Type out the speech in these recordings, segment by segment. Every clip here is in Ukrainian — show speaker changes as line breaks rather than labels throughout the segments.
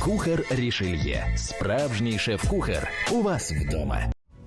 Кухар Рішельє. Справжній шеф-кухар. У вас вдома.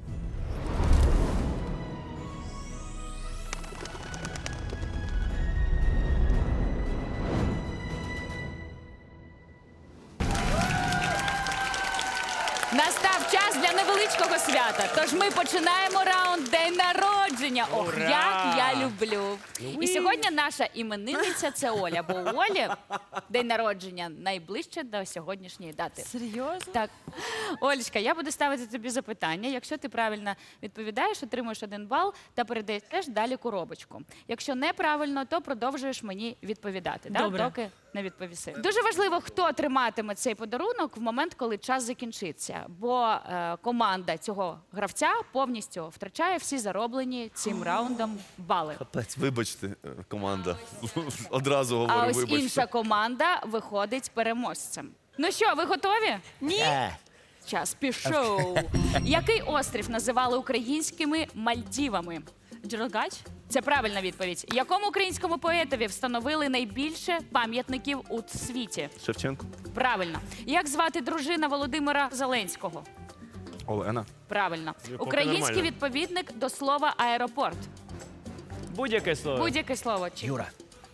Настав час для невеличкого свята. Тож ми починаємо раунд «День народження». Ох, як я люблю. І сьогодні наша іменинниця – це Оля. Бо у Олі день народження найближче до сьогоднішньої дати.
Серйозно?
Так. Олечка, я буду ставити тобі запитання. Якщо ти правильно відповідаєш, отримуєш 1 бал та передаєш далі коробочку. Якщо неправильно, то продовжуєш мені відповідати.
Добре.
Доки не відповіси. Дуже важливо, хто триматиме цей подарунок в момент, коли час закінчиться. Бо команда цього гравця повністю втрачає всі зароблені цим раундом бали.
Капець, вибачте, команда. Одразу
А
говорю,
ось
вибачте.
інша команда виходить переможцем. Ну що, ви готові?
Ні.
Час пішов. Який острів називали українськими Мальдівами?
Джерелгач?
Це правильна відповідь. Якому українському поетові встановили найбільше пам'ятників у світі?
Шевченко.
Правильно. Як звати дружина Володимира Зеленського?
Олена.
Правильно.
Поки
Український
нормально.
відповідник до слова аеропорт.
Будь-яке слово.
Будь-яке слово.
Юра.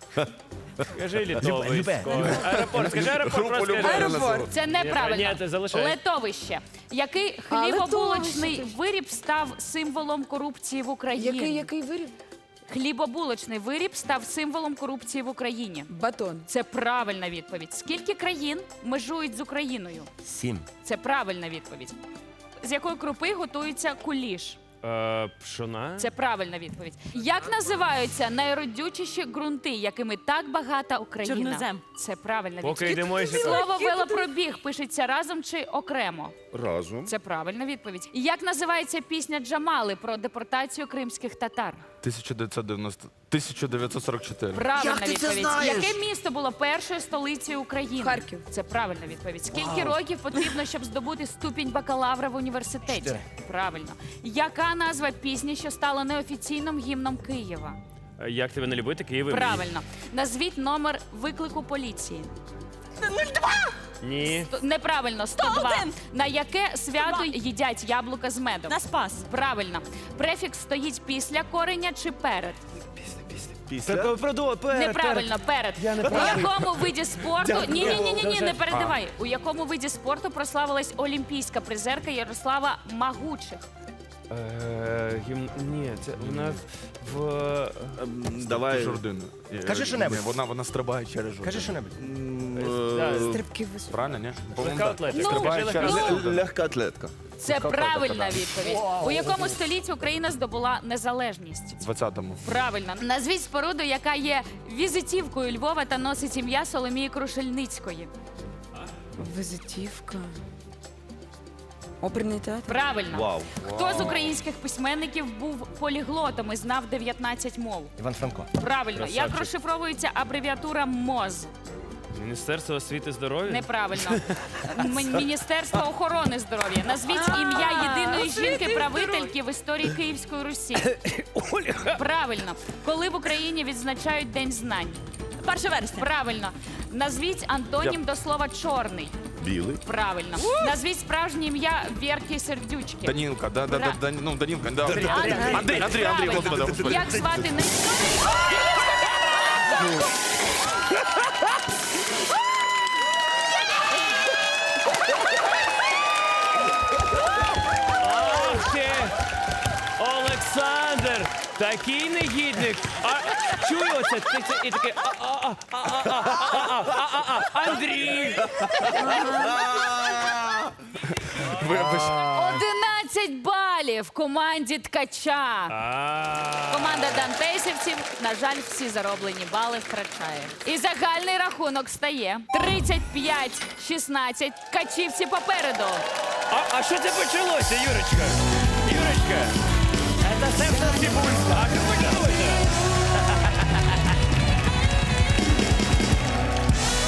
Скажи літовисько. Аеропорт. Скажи аеропорт,
Групу
просто
любе.
скажи.
Аеропорт.
Це неправильно.
Ні, ти залишай.
Летовище. Який хлібобулочний виріб став символом корупції в Україні?
Який виріб?
Хлібобулочний виріб став символом корупції в Україні.
Батон.
Це правильна відповідь. Скільки країн межують з Україною?
7.
Це правильна відповідь. З якої крупи готується куліш?
Пшона.
Це правильна відповідь. Як називаються найродючіші ґрунти, якими так багата Україна?
Чорнозем.
Це правильна
Поки
відповідь.
йдемо і
Слово велопробіг пишеться разом чи окремо?
Разом.
Це правильна відповідь. Як називається пісня Джамали про депортацію кримських татар?
1944.
Правильна відповідь. Яке місто було першою столицею України?
Харків.
Це правильна відповідь. Скільки років потрібно, щоб здобути ступінь бакалавра в університеті?
4.
Правильно. Яка назва пісні, що стала неофіційним гімном Києва?
Як тебе не любити, Києві?
Правильно. Назвіть номер виклику поліції.
Ні.
Неправильно, 102.
101.
На яке свято їдять яблука з медом?
На Спас.
Правильно. Префікс стоїть після кореня чи перед? Неправильно, перед. У якому виді спорту... Ні, не передавай. У якому виді спорту прославилась олімпійська призерка Ярослава Магучих?
Ні, це вона в...
Давай.
Жордина. Кажи що-небудь.
Вона стрибає через жордину.
Кажи що-небудь.
Стрибки високі.
Правильно, ні?
Легка атлетика.
Ну,
Скажи легка
через-
атлетика.
Легка атлетка.
Це правильна відповідь. У якому столітті Україна здобула незалежність?
20-му.
Правильно. Назвіть споруду, яка є візитівкою Львова та носить ім'я Соломії Крушельницької.
Визитівка. Оперний театр.
Правильно.
Вау.
Хто з українських письменників був поліглотом і знав 19 мов?
Іван Франко.
Правильно.
Красавчик.
Як розшифровується абревіатура МОЗ?
Міністерство освіти і здоров'я?
Неправильно. Міністерство охорони здоров'я. Назвіть ім'я єдиної жінки-правительки в історії Київської Русі. Правильно. Коли в Україні відзначають День знань?
1 вересня.
Правильно. Назвіть антонім до слова чорний.
Білий.
Правильно. Назвіть справжнє ім'я Вєрки Сердючки.
Данілка, Данілка, да. Андрій,
Правильно.
господи, господи.
Як звати не...
Ах ти! Олександр! Такий негідник! Чую оце, і такий Андрій!
Вибач.
11 балів команді Ткача. Команда дантесівців, на жаль, всі зароблені бали втрачає. І загальний рахунок стає 35-16. Ткачівці попереду.
А що це почалося, Юрочка? Юрочка! Це все цибулька. А що почалося?